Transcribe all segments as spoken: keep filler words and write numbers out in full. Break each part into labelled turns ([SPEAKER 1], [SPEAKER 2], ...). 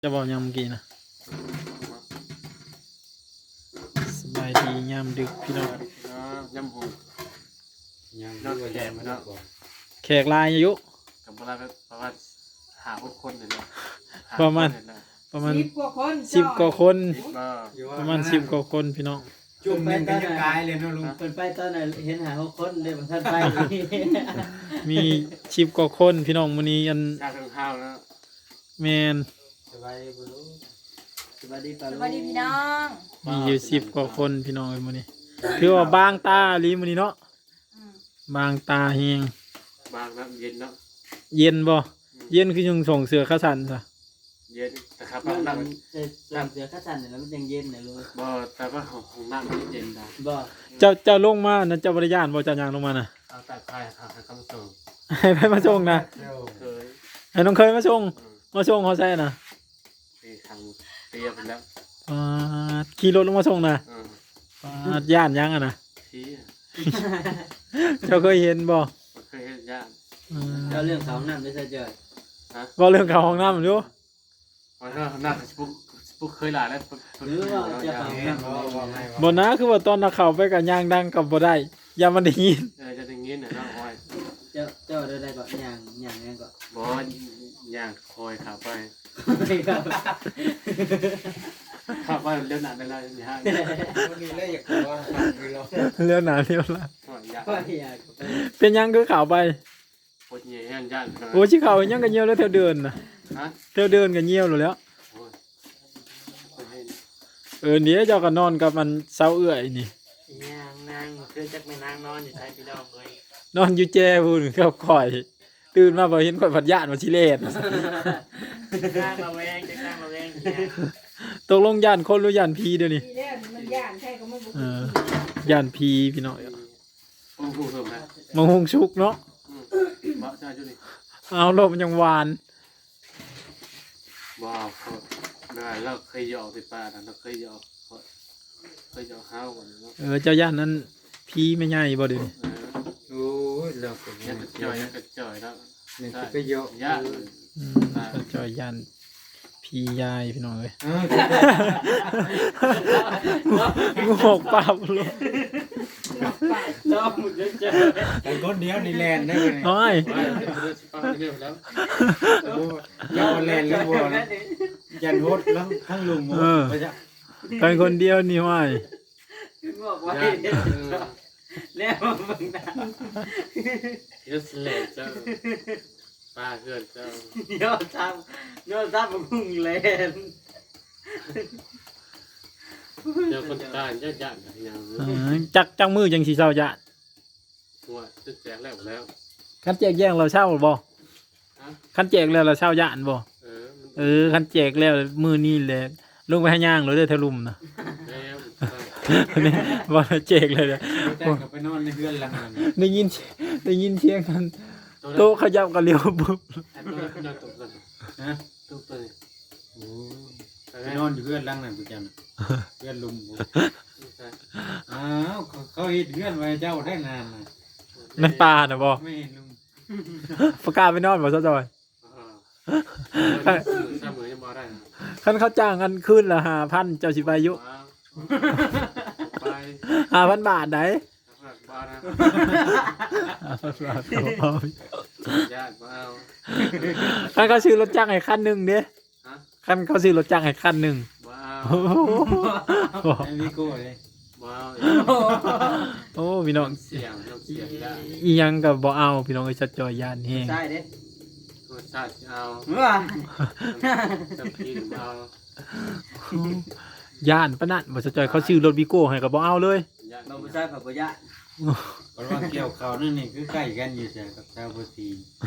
[SPEAKER 1] จะบอกยามเมื่อกี้นะสบายดียามดึกพี่น้อง
[SPEAKER 2] ยำหูยำนอกแขกมาเนาะ
[SPEAKER 1] แขกลายอายุ
[SPEAKER 2] กับเวลาประมาณหาพวกคนเลยเนาะ
[SPEAKER 1] ประมาณประมาณ
[SPEAKER 3] สิบกว่าคน
[SPEAKER 1] สิบกว่าคน
[SPEAKER 2] ก็
[SPEAKER 1] ประมาณสิบกว่าคนพี่น้อง
[SPEAKER 4] จุ่มหนึ่งก็ยังกายเลยเนาะลุง
[SPEAKER 5] เปิดไปตอนไหนเห็นหาหกคนเลยบางท่านไป
[SPEAKER 1] มีสิบกว่าคนพี่น้องมื้อนี้อัน
[SPEAKER 2] ชาทั้งข้าวแล้ว
[SPEAKER 1] แมน
[SPEAKER 5] สบายดีบุรุสบายดีปา
[SPEAKER 3] ส
[SPEAKER 5] ลุ
[SPEAKER 3] วัสดีพี่น้อง
[SPEAKER 1] มีอยู่สิบกว่าคนพี่น้องเอ้ยมื้อนี้คือว่าบางตาอีหลีมื้อนี้เนาะ
[SPEAKER 3] อืม
[SPEAKER 1] บางตาแฮง
[SPEAKER 2] บางน้ำเย็นเนาะ
[SPEAKER 1] เย็นบ่เย็นคือยังส่งเสือข้าสันซะ
[SPEAKER 2] เย็นแต่ครับ
[SPEAKER 5] มัน
[SPEAKER 2] น้ำ
[SPEAKER 5] มั
[SPEAKER 2] มัน น
[SPEAKER 5] จะส่งเสือข้าสันเนี่ยแล้วมันยังเย็นเนี่ยลุง
[SPEAKER 2] บ่แต่ว่าของของน้ำมันเย็นได้
[SPEAKER 5] บ่
[SPEAKER 1] เจ้าเจ้าลงมานะเจ้าบริญาณบ่เจ้ายางลงมาน่ะ
[SPEAKER 2] เอาแต่ไข่ค่ะให้คำส่ง
[SPEAKER 1] ให้ไปมาส่งนะ
[SPEAKER 2] เคย
[SPEAKER 1] ให้น้องเคยมาส่งมาส่งเขาใช่น่ะ
[SPEAKER 2] ตีทางเตรียมไปแล้ว
[SPEAKER 1] อ่าขี่รถลงมาส่งน่ะ
[SPEAKER 2] อืม
[SPEAKER 1] อ่าย่านยังอ่ะนะ
[SPEAKER 2] ที่
[SPEAKER 1] เจ้าเคยเห็นบ่
[SPEAKER 2] เคยเห็นญาติ
[SPEAKER 1] อืม
[SPEAKER 5] เราเรื่องเขาน้ำไม่ใช่เจอ
[SPEAKER 1] ว่าเรื่องเขาห้องน้ำอยู่
[SPEAKER 2] วันนั้นน่าจะปุ๊กปุ๊กเคยหลายแล้ว
[SPEAKER 5] หรือว่าจะเขา
[SPEAKER 4] แม่
[SPEAKER 5] น้ำ
[SPEAKER 4] บอกว่าไง
[SPEAKER 1] บ่นะคือว่าตอนนักข่าวไปกับยางดังกับบ่ได้อย่ามันได้ยิน
[SPEAKER 2] เออจะได้ยินนะน้องอ้อย
[SPEAKER 5] เจ้าเจ้าได้ได้ก่อนอย่างอย่างนี้ก่อน
[SPEAKER 2] บ่ย่างคอยขับไปขับไปเร็วหนาไปเลยนี่ฮะ
[SPEAKER 4] วันนี้เลยอยากว่าคือเรา
[SPEAKER 1] เรื่องหนาเรื่องละ
[SPEAKER 2] อยาก
[SPEAKER 5] ก็อยากไป
[SPEAKER 1] เป็นยังคือข่าวไป
[SPEAKER 2] ปวดเยี่ยญาติ
[SPEAKER 1] โอ้ชิข่าวยังกันเหี่ยวแล้วแถวเดินน่ะ
[SPEAKER 2] ฮะ
[SPEAKER 1] แถวเดินกันเหี่ยวแล้ว
[SPEAKER 2] โอ้ยคนเห็น
[SPEAKER 1] เออเดี๋ยวเจ้าก็นอนกับมันเศร้าเอื้อยนี่
[SPEAKER 5] ย่างนางคือจักไม่นางนอนอยู่ใช่พี่น้องเลย
[SPEAKER 1] นอนอยู่แจ้พูนกับข่อย ตื่นมาบ่เห็นข่อยผัดญาติมาชิเลน
[SPEAKER 5] นางระแวงจักนางระแวง
[SPEAKER 1] ตกลงย่านคนหรือย่านผีเดี๋ยวนี้
[SPEAKER 3] ทีแรกมันย่านใช่ก็ไม่บุก
[SPEAKER 1] เออย่านผีพี่น้อง
[SPEAKER 2] ปูปูเพิ่มนะ
[SPEAKER 1] มังหงชุกเนาะ
[SPEAKER 2] บ่ใช่จุนี่
[SPEAKER 1] เอาลมยังหวาน
[SPEAKER 2] บ่เขาเมื่อเราเคยหยอกติดปลาเราเคยหยอกเคยหยอกข้าวก่อนเนาะ
[SPEAKER 1] เออเจ้าย่านนั้นผีไม่ใหญ่บ่เดี๋ยวนี้
[SPEAKER 2] เออ
[SPEAKER 4] โอ้ยเราเป็น
[SPEAKER 2] ยังกระจ่อยยังกระจ่อยแล้ว
[SPEAKER 4] นี่ก็เยอะ
[SPEAKER 2] ญาติ
[SPEAKER 1] อืมเจ้าย่านผียายพี่น้องเอ้ย
[SPEAKER 4] เออ
[SPEAKER 1] งูหกปากลง
[SPEAKER 5] น้องมุดจะเจอ
[SPEAKER 4] แต่คนเดียวในแลนได้เลย
[SPEAKER 1] น้อย
[SPEAKER 2] ไปเรื่องสิป้าเรื่องแล้ว
[SPEAKER 4] โอ้ยาวแลนแล้วบัวนะยันโฮดแล้วทั้งลุงไปจ้ะ
[SPEAKER 1] เป็นคนเดียวนี่ห้อย
[SPEAKER 5] บอกว่า
[SPEAKER 2] ญาติเออ
[SPEAKER 5] แล้วมึงนะ
[SPEAKER 2] เดี๋ยวสเลดเจ้าป้าเกิดเจ้า
[SPEAKER 5] โยนทำโยนทำมึงเล่น
[SPEAKER 2] เดี๋ยวคนตายญาติญาติอย่าง
[SPEAKER 1] เออจักจังมือจังสีเศร้าญาติ
[SPEAKER 2] หัวจะแจกแล้วแล้ว
[SPEAKER 1] คันแจกแย่งเราเช่าบ่
[SPEAKER 2] ฮะ
[SPEAKER 1] คันแจกแล้วเราเช่าญาติบ่
[SPEAKER 2] เออ
[SPEAKER 1] เออคันแจกแล้วมือนี่แหละลงไปให้ย่างเลยเด้อทะลุมนะ
[SPEAKER 2] แล้ว
[SPEAKER 1] นี่บ่ได้แจกเลยเด้อ
[SPEAKER 4] แต่กับไปนอนในเพื่อนหลังนั้น
[SPEAKER 1] ได้ยินได้ยินเสียงกันโต๊ะขยับกันเร็วปุ๊บ
[SPEAKER 2] ไอ้ตัวตัวตัวตัว
[SPEAKER 4] ฮะ
[SPEAKER 2] ตัวตัว
[SPEAKER 4] โอ้ไปนอนอยู่เพื่อนหลังนั้นกูจังเพื่อนลุงอ้าวเขาเห็นเพื่อนไว้เจ้าได้นานนะ
[SPEAKER 1] ในป่าน่ะบ่
[SPEAKER 4] ไม่เห็นลุง
[SPEAKER 1] ประกาศไปนอนบ่ซะจอย
[SPEAKER 2] เสมอยังมาได้
[SPEAKER 1] คันเขาจ้างกันคืนละห้าพันเจ้าสิไปอยู่
[SPEAKER 2] ไป
[SPEAKER 1] ห้าพันบาทไหน
[SPEAKER 2] บ้านะ
[SPEAKER 1] ห้าพันบาทเอา
[SPEAKER 2] ญาติมาเอา
[SPEAKER 1] คันเขาซื้อรถจ้างให้คันหนึ่งเด้
[SPEAKER 2] ฮะ
[SPEAKER 1] คันเขาซื้อรถจ้างให้คันหนึ่ง
[SPEAKER 2] มา
[SPEAKER 1] โอ้โห
[SPEAKER 4] ไอ้วิโก้เลย
[SPEAKER 2] เอา
[SPEAKER 1] โอ้พี่น้อง
[SPEAKER 2] เสียงเสียงได้
[SPEAKER 1] อีหยังกับบ่เอาพี่น้องไอ้ชัดจอยยานแฮง
[SPEAKER 5] ใช่เด้
[SPEAKER 2] รสชาติเอา
[SPEAKER 5] ว้า
[SPEAKER 2] จะกินเอา
[SPEAKER 1] ย่านปะนั่นบ่ชัดจอยเขาซื้อรถวิโก้ให้ก็บ่เอาเลย
[SPEAKER 2] ญาติ
[SPEAKER 5] เราไม่ใช่ผักกยะ
[SPEAKER 4] เพราะว่าเกี่ยวเขานั่นนี่คือใกล้กันอยู่จ้ะกับชาวโบตี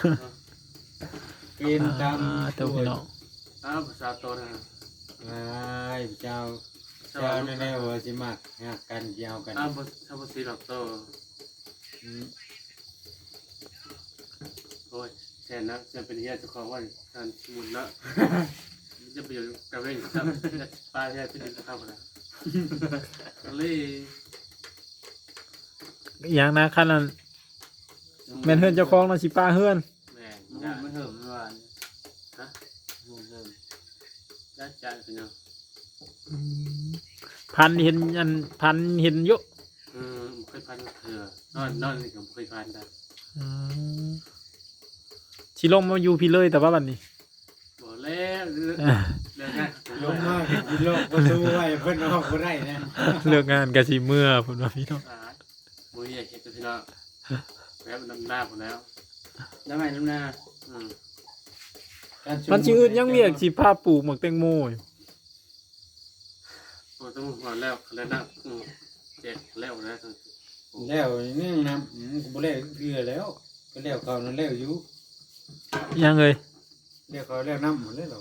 [SPEAKER 4] กินตาม
[SPEAKER 1] อ่าเตัวพี่น้อง
[SPEAKER 2] อ้าวภาษาโตนะ
[SPEAKER 4] ไอ้เจ้าเจ้าแน่ๆว่าสิมักหักกันเกี่ยวกัน
[SPEAKER 2] อ้าวภาษาภาษาโตโอ้ยแทนนะจะเป็นเฮียเจ้าของว่าการมุนละจะไปอยู่กับเรื่องครับปลาแท้เป็นข้าวนะก็เลย
[SPEAKER 1] อีหยังนะคันนั้นแม่นเฮือนเจ้าของเนาะสิป้าเฮือน
[SPEAKER 2] แม่
[SPEAKER 5] มัน
[SPEAKER 2] ญาติ
[SPEAKER 5] ไม่เหิมไม่หวาน
[SPEAKER 2] ฮะ
[SPEAKER 5] มันเหิม
[SPEAKER 2] ได้จ่ายพี่น้อง
[SPEAKER 1] อืมพันเห็นอันพันเห็นเยอะ
[SPEAKER 2] อืมเคยพันเถื่อนอนนอนนี่ก็เคยพันได้
[SPEAKER 1] อืมสิลงมาอยู่พี่เลยแต่ว่าบัดนี้
[SPEAKER 2] บ่แล้วเรื่องเรื่องงาน
[SPEAKER 4] ลงมาเห็นโลกประตูไว้เพิ่นออกบ่ได้นะ
[SPEAKER 1] เลิกงานก็สิเมื่อพุ่นว่าพี่น้อง
[SPEAKER 2] อ่าบ่อยากเฮ็ดกับพี่น้องแล้วนำหน้าผมแล้ว
[SPEAKER 5] น้ำใหม่น้ำหน้า
[SPEAKER 2] อืม
[SPEAKER 1] มันสิอึดยังเรียกสิพาปลูกหมักแตงโมอยู่
[SPEAKER 2] โอ้ต้องหอนแล้วแล้วนะอืมเจ็บแล้วนะ
[SPEAKER 4] แล้วนี่นะอืมกูบ่แล้วเกลือแล้วก็แล้วเขานั่นแล้วอยู่
[SPEAKER 1] ยังเอ้ย
[SPEAKER 4] แล้วเขาแล้วน้ำหมดเลยเหรอ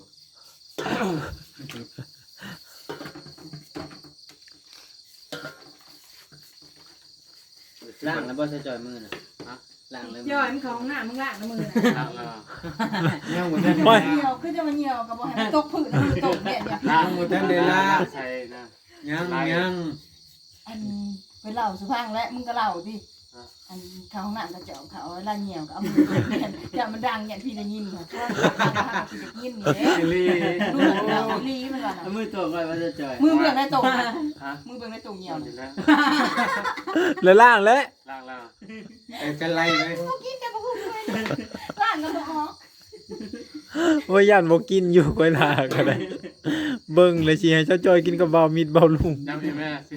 [SPEAKER 5] ล่างแล้วบ่ใส่จอยมือน่ะฮะล่างเลย
[SPEAKER 3] ย่อยมันของหน้ามึงล่างน้ำมือนะ
[SPEAKER 2] ล้างแล้ว
[SPEAKER 4] ยังหมดทัน
[SPEAKER 3] มันเหี่ยวคือจะมันเหี่ยวกับบ่ให้มันตกผืนมือตกเนี่ยเนี่ย
[SPEAKER 2] ล้าง
[SPEAKER 4] หมดทันเวลา
[SPEAKER 2] ใช่นะ
[SPEAKER 4] ยังยัง
[SPEAKER 3] อันไปเล่าสุพังและมึงก็เล่าดิอันเขาห้องน้ำกระเจาะเขาล่าเหี่ยวก็เอามือเนี่ยอย่ามันดังอย่างพี่ได้ยินค่ะถ้าพี่ได้ยินนี่เด้
[SPEAKER 2] ลี
[SPEAKER 3] ดูเหมือนเราลีมันก่อนนะ
[SPEAKER 5] เอามือตัวก่อนว่าจะจอย
[SPEAKER 3] มือเบื้องในตรงนะ
[SPEAKER 2] ฮะ
[SPEAKER 3] มือเบื้องในตรงเหี่ยว
[SPEAKER 2] อยู่แล้ว
[SPEAKER 1] แล้วล่างแล้ว
[SPEAKER 2] ล้างแล้ว
[SPEAKER 4] ไอ้กันไล่ไหม
[SPEAKER 3] กินแต่บ่ฮู้เลยล่างก็บ่ออก
[SPEAKER 1] ว่าย่านบ่กินอยู่ก้อยลาก็ได้เบิ่งเลยสิให้เจ้าจอยกินกับเบามิดเบาลุง
[SPEAKER 2] น้ำพี่แม่สิ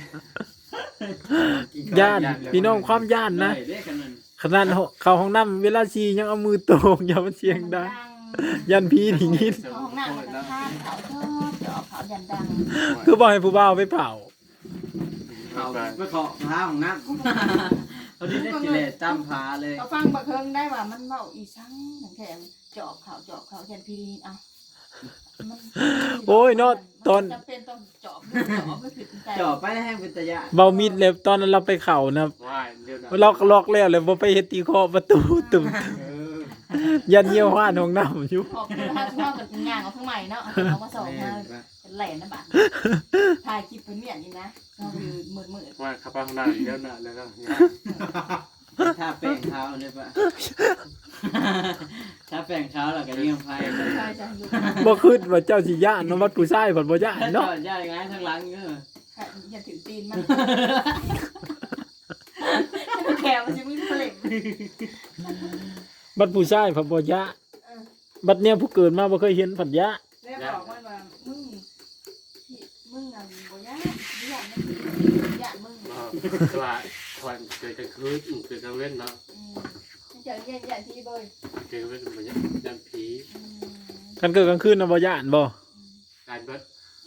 [SPEAKER 1] ย่านพี่น้องความย่านนะ
[SPEAKER 5] ได้เด้กันนั่น
[SPEAKER 1] ขนาดเข้าห้องน้ำเวลาชียังเอามือโตงอย่ามันเสียงดังยันพี่นี่ยิน
[SPEAKER 3] เขาห้องน้ำมันก็ข้ามเขาชอบเจาะเขายันดัง
[SPEAKER 1] คือบอกให้ผู้บ่าวไปเผา
[SPEAKER 5] เขาไปขอพาของนักเขาดีได้กิเลสตามพาเลย
[SPEAKER 3] เขาฟังบักเคิงได้ว่ามันเว้าอีสังแข็งเจาะเขาเจาะเขายันพี่ดีเอา
[SPEAKER 1] โอ้ยเนาะตอน
[SPEAKER 3] จำเป็นต้องเจาะเจาะไม่ผิดใจ
[SPEAKER 5] จ่อไปให้เป็นตะยะ
[SPEAKER 1] เบามิดเลยตอนนั้นเราไปเข่านะ
[SPEAKER 2] ว่ายเดี๋ยวนะ
[SPEAKER 1] ล็อกล็อกแล้วเลยบ่ไปเฮ็ดตีเคาะประตูตึม
[SPEAKER 4] เออ
[SPEAKER 1] ยันเยี่ยวห้านห้องน้ำอยู่
[SPEAKER 3] ออกคือถ้าถ้าเป็นงานของข้างใหม่เนาะเอามาส่งมาเป็นแหลนนะบัดถ่ายคลิปเป็นเมียนนี่นะก็คือมืดมืด
[SPEAKER 2] ว่ายขับไปข้างหน้าเดี๋ยวนะแล้วก็
[SPEAKER 5] ถ้าแป้งเท้าเลยปะถ้าแป้งเท้าเราก็เลี้ยงไฟ
[SPEAKER 3] ใช่ใช่อยู่
[SPEAKER 1] บ่คิดว่าเจ้าสิย่านเนาะวัดผู้ชายเพิ่นบ่ย่าน
[SPEAKER 5] เนาะ
[SPEAKER 1] เนาะ
[SPEAKER 5] ย่าอย่างงั้นทางหลังเงี้ย
[SPEAKER 3] อย่าถือตีนมันแขวมันจะไม่เปล่ง
[SPEAKER 1] บัดผู้ชายเพิ่นบ่ย่านบัดเนี้ยผู้เกิดมาบ่เคยเห็นเพิ่นย่าน
[SPEAKER 3] แล้วบอกมันว่ามึงมึงอ่ะบ่ยากยากมึงยากมึง
[SPEAKER 2] ว่าควันเกิดกลางคืนเกิดกลางเว้นเนาะ
[SPEAKER 3] อืมเจอแย่ๆที่บ่อย
[SPEAKER 2] เกิดกลางเว้นมันยันผี
[SPEAKER 3] อืม
[SPEAKER 1] กันเกิดกลางคืนน่ะบ่ย่านบ่
[SPEAKER 2] การเบิด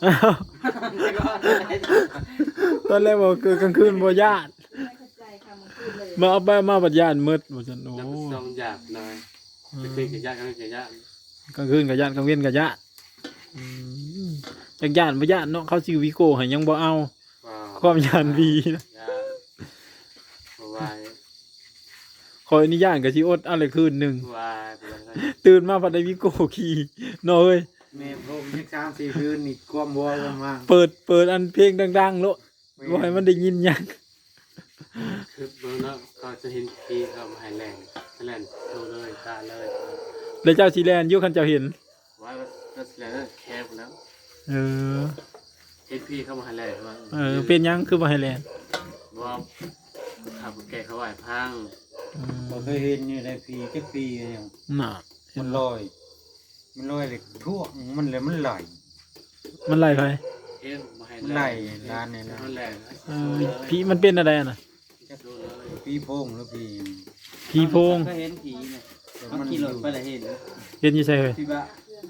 [SPEAKER 1] ตอนแรกบอกเกิดกลางคืนบ่ย่าน
[SPEAKER 3] ไม่เข้าใจค่ะมึงพูดเลย
[SPEAKER 1] มาเอาไปมาบัดย่านมืดว่าซั่นโอ้
[SPEAKER 2] น้ำซองหยาบหน่อยไปคุยกับญาติกันกับญาติ
[SPEAKER 1] กลางคืนก็ย่านกลางเว้นก็ย่านอืมจักย่านบ่ย่านเนาะเขาสิวิโก้ให้ยังบ่เอา
[SPEAKER 2] ว้าว
[SPEAKER 1] ความย่านวีนะ
[SPEAKER 2] ญาติวาย
[SPEAKER 1] ขออนุญาตก็สิอดเอาเลยคืนหนึง
[SPEAKER 2] วายไปเลย
[SPEAKER 1] ตื่นมาพัดได้วิโก้ขี่เนาะเอ้ย
[SPEAKER 4] แม่พรมนี่สามสี่คืนนี่ความวัวกันมา
[SPEAKER 1] เปิดเปิดอันเพลงดังๆโลดบ่ให้มันได้ยินหยัง
[SPEAKER 2] คือเมื่อนั้นก็จะเห็นผีเขามาให้แรงแรงโตเลยตาเลย
[SPEAKER 1] แล้วเจ้าสิแลนอยู่คันเจ้าเห็น
[SPEAKER 2] ว่าก็แรงแคบแล้ว
[SPEAKER 1] เออ
[SPEAKER 2] เห็นพี่เข้ามาให้แรงว่า
[SPEAKER 1] เออเป็นหยังคือบ่ให้แลน
[SPEAKER 2] ว่าขับแกเขาไหวพัง
[SPEAKER 1] อืม
[SPEAKER 4] บ่เคยเห็นอยู่ในปีจักปีเนี่ย
[SPEAKER 1] น่ะ
[SPEAKER 4] มันลอย มันลอยเลยทั่วมันเลยมันไหล
[SPEAKER 1] มันไล่ไป
[SPEAKER 2] เห็นมาให้
[SPEAKER 4] มัน
[SPEAKER 2] แร
[SPEAKER 4] ไหล
[SPEAKER 2] ง
[SPEAKER 4] ร้านเนี่ยนะ
[SPEAKER 2] มันแรง
[SPEAKER 1] เออผีมันเป็นอะไรอะน่ะ
[SPEAKER 2] ดูเลย
[SPEAKER 4] ปีโพงหรือปี
[SPEAKER 1] ผีโพง
[SPEAKER 5] ก็เห็นผีเนี่ย
[SPEAKER 4] แต่
[SPEAKER 5] เขา
[SPEAKER 4] มัน
[SPEAKER 5] ขี่
[SPEAKER 4] อ
[SPEAKER 5] รถ
[SPEAKER 4] ยู่
[SPEAKER 5] ไปแล้วเห็น
[SPEAKER 1] เห็นอยู่ใช่เฮ้ย
[SPEAKER 5] พี่บ้า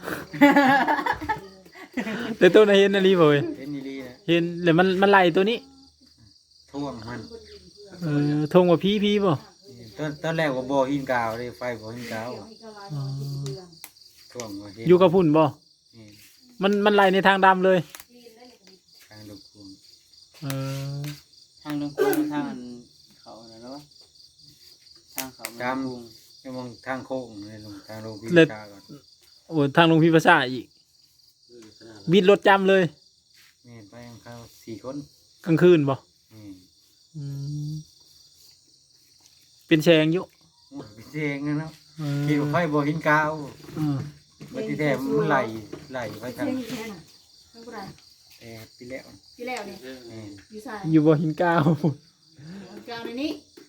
[SPEAKER 1] แต่ตัวน่ะเห็นอันนี้บ่เว้ย
[SPEAKER 4] เห็นอีหลีนะ
[SPEAKER 1] เห็นแล้วมันมันไล่ตัวนี้
[SPEAKER 4] ท่วงมัน
[SPEAKER 1] เออทงว่าผีผีบ่
[SPEAKER 4] ตอนตอนแรกว่าบ่อหินกาวเลยไฟบ่อหินกาว
[SPEAKER 1] อ๋อ
[SPEAKER 4] ท่วงว่าเห็น
[SPEAKER 1] อยู่กับพุ่นบ่
[SPEAKER 4] นี่
[SPEAKER 1] มันมันไล่ในทางดำเลย
[SPEAKER 4] ทางลูกคุง
[SPEAKER 1] เออ
[SPEAKER 5] ทางลงกรุงทางเขาน่ะเนาะทางเขามันกรุง
[SPEAKER 4] จะมองทางโค้งเลยลงทางโรงพิจารก่อน
[SPEAKER 1] โอ้ทางลงพิภาษาอีกบิดรถจำเลย
[SPEAKER 4] นี่ไปของเขาสี่คน
[SPEAKER 1] กลางคืนบ่
[SPEAKER 4] นี่
[SPEAKER 1] อืมเป็นแชงอยู่
[SPEAKER 4] พิเศษนะเนาะ
[SPEAKER 1] เออ
[SPEAKER 4] คิดว่าไฟบ่อหินกาว
[SPEAKER 1] เออ
[SPEAKER 4] บัดที่แท้มันไหลไหลไปทาง
[SPEAKER 3] เสียงอีกแค่น่ะทั้งผู้ใด
[SPEAKER 4] แต่ปีแล้ว
[SPEAKER 3] ที่แล้วนี่
[SPEAKER 2] เรื่อง
[SPEAKER 4] แม่น
[SPEAKER 3] อยู่ใส่
[SPEAKER 1] อยู่บ่หินก้าว
[SPEAKER 3] กลางในนี้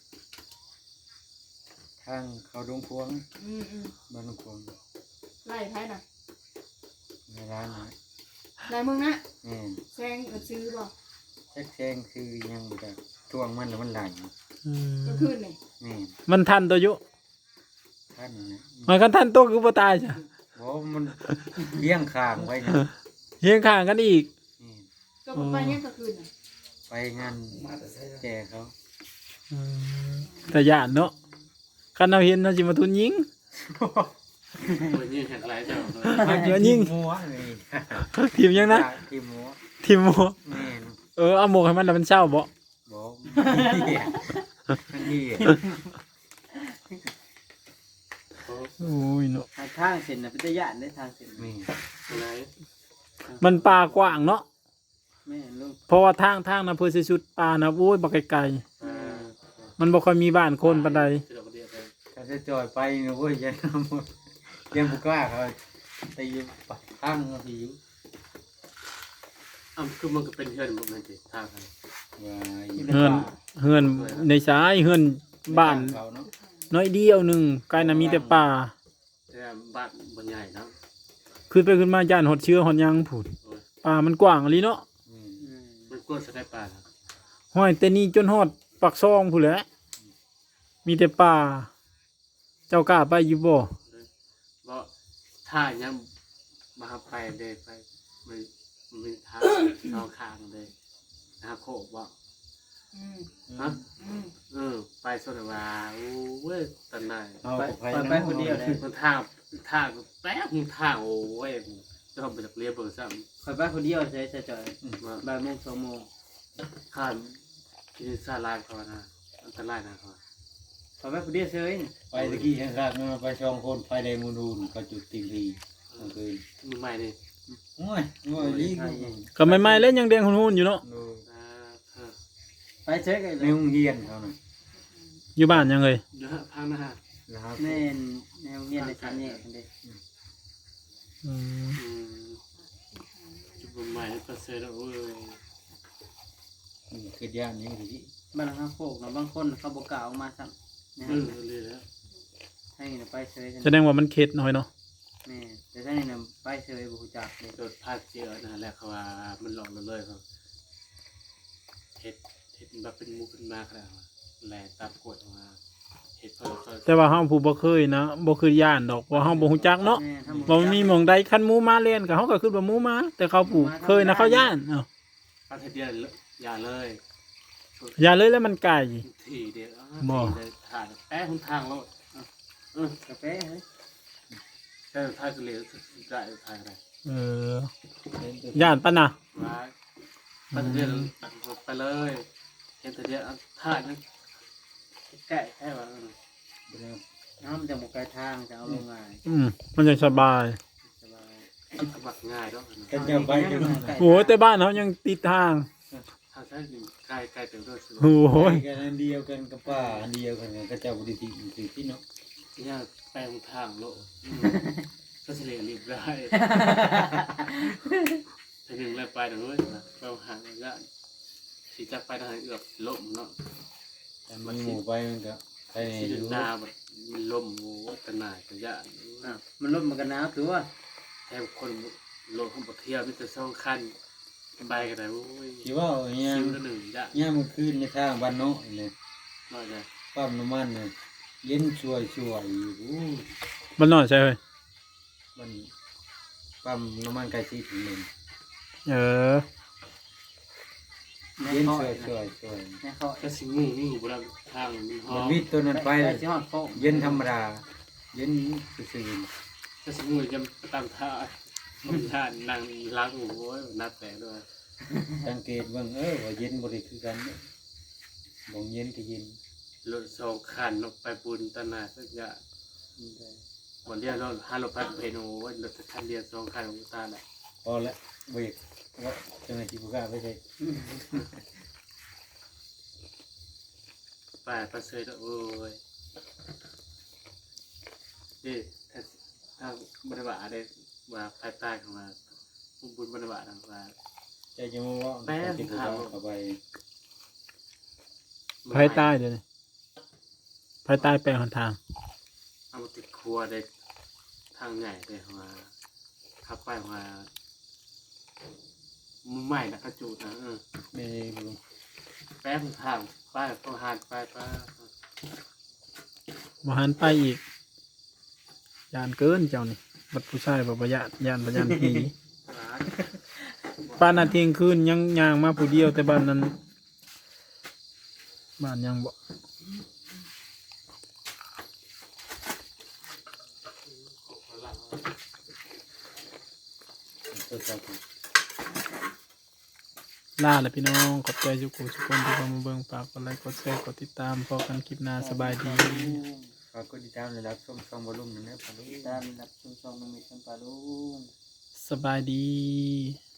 [SPEAKER 4] ทางเขาดงพวง
[SPEAKER 3] อืมอืม
[SPEAKER 4] บ้านดงพวง
[SPEAKER 3] ไล่ไผน่ะ
[SPEAKER 4] ในร้านนะ
[SPEAKER 3] ไล่มึงนะ
[SPEAKER 4] แม่น
[SPEAKER 3] แซงเออซื้อบ่
[SPEAKER 4] แท็กแซงคือยังบ่ได้ทวงมันแล้วมันไหล
[SPEAKER 1] อืม
[SPEAKER 3] ก็คืนนี่
[SPEAKER 4] แม่น
[SPEAKER 1] มันทันตัวอยู่
[SPEAKER 4] ท่านนะ
[SPEAKER 1] มันก็ทันตัวคือบ่ตายจ้ะ
[SPEAKER 4] บ่มันเลี้ยงข้างไว้นะ
[SPEAKER 1] เฮียงข้างกันอีก
[SPEAKER 4] แม่น
[SPEAKER 3] ก็บ่ไปยังก็คืนน่ะ
[SPEAKER 4] ไปงานแจกเขา
[SPEAKER 1] อืมแต่ย่านเนาะคันเราเห็นเราสิมาทุนยิง
[SPEAKER 2] วันนี้แข่งอะไรเจ้า
[SPEAKER 4] มัน
[SPEAKER 1] เดี๋ยวยิง
[SPEAKER 4] หัวเลย
[SPEAKER 1] ทีมยังนะ
[SPEAKER 4] ทีมหัว
[SPEAKER 1] ทีมหมอ
[SPEAKER 4] แม่น
[SPEAKER 1] เออเอาหมกให้มันแล้วมันเศร้าบ่
[SPEAKER 4] บ่เหี้ยมันเหี้ย
[SPEAKER 1] โอ้ยเนาะ
[SPEAKER 5] ทางทางเส้นน่ะเป็นตะยานได้ทางเส้น
[SPEAKER 4] แม่น
[SPEAKER 2] อะไร
[SPEAKER 1] มันป่ากว้างเนาะ
[SPEAKER 5] แม่ลูก
[SPEAKER 1] เพราะว่าทางทางนะเพื่อสิสุดป่านะโอ้ยบ่ไกล
[SPEAKER 2] อ่า
[SPEAKER 1] ๆมันบ่ค่อยมีบ้านคนปานใด
[SPEAKER 2] เดี๋ยวเดี๋ยวเดี๋ยว
[SPEAKER 4] ถ้าจะจอยไปนะเว้ยอยันหมดยังบ่กล้าเขาตีปัดข้างเขาที่อยู่
[SPEAKER 2] อ่ะคือมันก็เป็นเพื่อนผมนั่นสิท่ากัน
[SPEAKER 4] ว่า
[SPEAKER 1] เฮือนเฮือนในสายเฮือนบ้าน
[SPEAKER 4] เขาเนาะ
[SPEAKER 1] น้อยเดียวหนึงไกลน่ะมีแต่ป่า
[SPEAKER 2] แต่บ้านบนใหญ่นะ
[SPEAKER 1] ขึ้นไปขึ้นมาย่านหดเชื้อหดหยังพูดป่ามันกว้างอีหลีเนาะ
[SPEAKER 4] อืม
[SPEAKER 5] อืม
[SPEAKER 2] มันกวนสไนป่านะ
[SPEAKER 1] ห้อยแต่นี่จนฮอดปากซองพู้นแหละมีแต่ป่า เจ้ากล้าไปอยู่บ่
[SPEAKER 2] เพราะท่ายังมาไปเลยไปมันมันมีท่าสองข้างเลยนะโคกบอก
[SPEAKER 3] อืม
[SPEAKER 2] ฮะ
[SPEAKER 3] อืม
[SPEAKER 2] เออไปสนว่าโอ้เว้ยตอนนั้น
[SPEAKER 4] เอา
[SPEAKER 5] ไป
[SPEAKER 4] ไป
[SPEAKER 5] ไปไปคนเดียวเลย
[SPEAKER 2] มันท่าท่าแป๊บมันท่าโอ้ยจะทำไปจากเรียบเบอร์ซ้
[SPEAKER 5] คอยไปคนเดียวใช่ใช่จอย
[SPEAKER 2] ำมา
[SPEAKER 5] บ่ายโมงสองโมง
[SPEAKER 2] ข้ามกินซาลายเขานะอันตรายนะเขา
[SPEAKER 5] คอยไปคนเดียวเฉย
[SPEAKER 4] ไปตะกี้ข้างๆนั่นไปช่องคนไฟแดงมูนูนก็จุดติงทีกลางคืน
[SPEAKER 2] มือใหม่นี่
[SPEAKER 4] โอ้ยโอ้ยลีก
[SPEAKER 1] ก็ใหม่ๆแล้วยังแดงหุ่นๆอยู่เนาะ
[SPEAKER 4] ดู
[SPEAKER 2] อ่าเออ
[SPEAKER 5] ไปเฉยกันเล
[SPEAKER 4] ใน
[SPEAKER 5] ย
[SPEAKER 4] โรงเรียนเขาน่ะ
[SPEAKER 1] อยู่บ้านยังเลย
[SPEAKER 2] เดี๋ยวฮะพังนะฮะ
[SPEAKER 4] นะครับ
[SPEAKER 5] แม่นแนวเงียนในชั้นนี้กันเด้
[SPEAKER 1] อืม
[SPEAKER 2] อืมจุดมือใหม่ก็เสร็จแล้วเว้ย
[SPEAKER 4] อืมคือย่านนี้ที่
[SPEAKER 5] บ้านข้างโคกเนาะบางคนเขาบ่กล้าออกมาซ้ำนะ
[SPEAKER 2] เอ
[SPEAKER 5] ฮะ
[SPEAKER 2] อเลยแล้ว
[SPEAKER 5] ให้น่ะไปเฉยกัน
[SPEAKER 1] แสดงว่ามันเข็ดหน่อยเนาะ
[SPEAKER 5] แม่แต่ถ้านี่น่ะไปเฉยบ่ฮู้จักเลย
[SPEAKER 2] โดดพลาดเจอนะแหละเขาว่ามันหลอกเราเลยเขาเห็ดเห็ดแบบเป็นมูขึ้นมากแล้วแหล่ตามกดมาเห็ดเพิ่มเพิ่ม
[SPEAKER 1] แต่ว่าเฮาผู้บ่เคยนะบ่คือย่านดอกเพราะเฮาบ่ฮู้จักเนาะ
[SPEAKER 5] แม่ถ้า
[SPEAKER 1] บ่มีหม่องใดคันหมูมาเล่นก็เฮาก็คิดว่าหมูมา แต่เขาผู้เคยนะเขาย่านเอ้า
[SPEAKER 2] ปลาเทเดียนอย่าเลย
[SPEAKER 1] อย่าเลยแล้วมันไกล
[SPEAKER 2] ทีเดียว
[SPEAKER 1] บ่
[SPEAKER 2] เลยถ่ายแป๊ะคุณทางแล้วเออก
[SPEAKER 5] าแฟเฮ้ย
[SPEAKER 2] แค่ถ่ายก็เลยได้ถ่ายอะไร
[SPEAKER 1] เออย่านปะนะ
[SPEAKER 2] มาปลาเทเดียนตัดไปเลยเห็นเทเดียนถ่ายนั่นแก่แค่ว่า
[SPEAKER 5] น้ำจะบ่ไกลทางจะเอาลงง่าย
[SPEAKER 1] อืมมันยังสบาย
[SPEAKER 5] สบาย
[SPEAKER 2] สมัครง่ายด้วย
[SPEAKER 4] ก็จะไปถึง
[SPEAKER 1] โอ้แต่บ้านเฮายังติดทาง
[SPEAKER 2] ถ้าใช้ใกล้ใกล้เต็มด้วยสิ
[SPEAKER 1] โอ้ย
[SPEAKER 4] กันอันเดียวกันกับป้าอันเดียวกันก็จะบริทีคือที่เนาะ
[SPEAKER 2] เนี่ยแปลงทางโลกก็เฉลี่ยรีบได้ถ้าหนึ่งแล้วไปหนึ่งเลยนะเราห่างกันสีจักไปทางเอือบล่มเนาะ
[SPEAKER 4] แต่มันหมู่ไปมันก็ใคร
[SPEAKER 2] สี
[SPEAKER 4] อยู่
[SPEAKER 2] นาแบบมันล่มโอ้ตนายกระยะ
[SPEAKER 5] อ่ะมันลดมันกันหนาวตัว
[SPEAKER 2] แทบคนโลกของประเทศมิตรสองขั้นไปกันได้โอ้ย
[SPEAKER 4] ที่ว่าเนี่ย
[SPEAKER 2] คิวละหนึ่งยะ
[SPEAKER 4] เนี่ยมันขึ้นในทางบ้านเนาะเนี่ย
[SPEAKER 2] น้อยเลย
[SPEAKER 4] ปั๊มน้ำมันเนี่ยเย็นช่วยช่วยอยู่อู้
[SPEAKER 1] มันน้อยใช่เว้ย
[SPEAKER 4] มันปั๊มน้ำมันไก่ซีถึงหนึ่ง
[SPEAKER 1] เออ
[SPEAKER 5] แม่
[SPEAKER 4] เย็น
[SPEAKER 5] เคาะ
[SPEAKER 4] ช่วยช่วยช่วย
[SPEAKER 5] แม่เคาะ
[SPEAKER 2] ก็สิงูงูบนทางมันหอ
[SPEAKER 4] มัน
[SPEAKER 2] ม
[SPEAKER 4] วิทย์ตัวนั้นไป
[SPEAKER 5] ไป
[SPEAKER 4] เลย
[SPEAKER 5] สิฮอดโคก
[SPEAKER 4] เย็นธรรมดาเย็นซื่อ
[SPEAKER 2] ก็สิงูจะตามท่าท่านั่งล้างโอ้ยนับแต่ด้วย
[SPEAKER 4] ๆสังเกตเบิ่งเออว่าเย็นบริคือกันเนี่ยบ่งเย็นก็เย็น
[SPEAKER 2] รถสองคันลงไปบุญตนาสักอย่างวันเดียวเราห้ารถพันเพนโอ้ยรถคันเดียวสองคันของตาแหละ
[SPEAKER 4] พอละเบรกว่าเจ้าหน้าที่ผู้กล้าไม่ใช่
[SPEAKER 2] ไปประเสริฐโอ้ยนี่ถ้าถ้าบริบาลได้ว่าภายใต้ของมาโอ้บุญบรรบาทว่า
[SPEAKER 4] ใจจะมาว่า
[SPEAKER 2] แป้ง
[SPEAKER 4] กิน
[SPEAKER 2] ขาว
[SPEAKER 4] เข้าไป
[SPEAKER 1] ไผตายเดี๋ยวนี้ไผตายแปลงหนทาง
[SPEAKER 2] เอามาติดครัวได้ทางใหญ่เลยมาขับไปมามือใหม่นะกระจูดนะเออ
[SPEAKER 4] แม่ลุง
[SPEAKER 2] แป๊บทางไปต้องหานไปไป
[SPEAKER 1] บ่หันไปอีกยานเกินเจ้านี่บัดผู้ชายบ่บ่ยานยานบ่ยานผีป้านนาเที่ยงคืนยังย่างมาผู้เดียวแต่บ้านนั้นบ้านยังบ่
[SPEAKER 4] ตัวเจ้าของ
[SPEAKER 1] ลาแล้วพี่น้องขอบใจทุกคนทุกคนที่เข้ามาเบิ่งฝากกดไลค์กดแชร์กดติดตามพบกันคลิปหน้าสบายดี
[SPEAKER 4] ฝากกดติดตามเลยรับชมช่องวอลลุ่มหนึ่งนะปะลุง
[SPEAKER 5] ตามรับชมช่องมันมีสัมปาลุง
[SPEAKER 1] สบายดี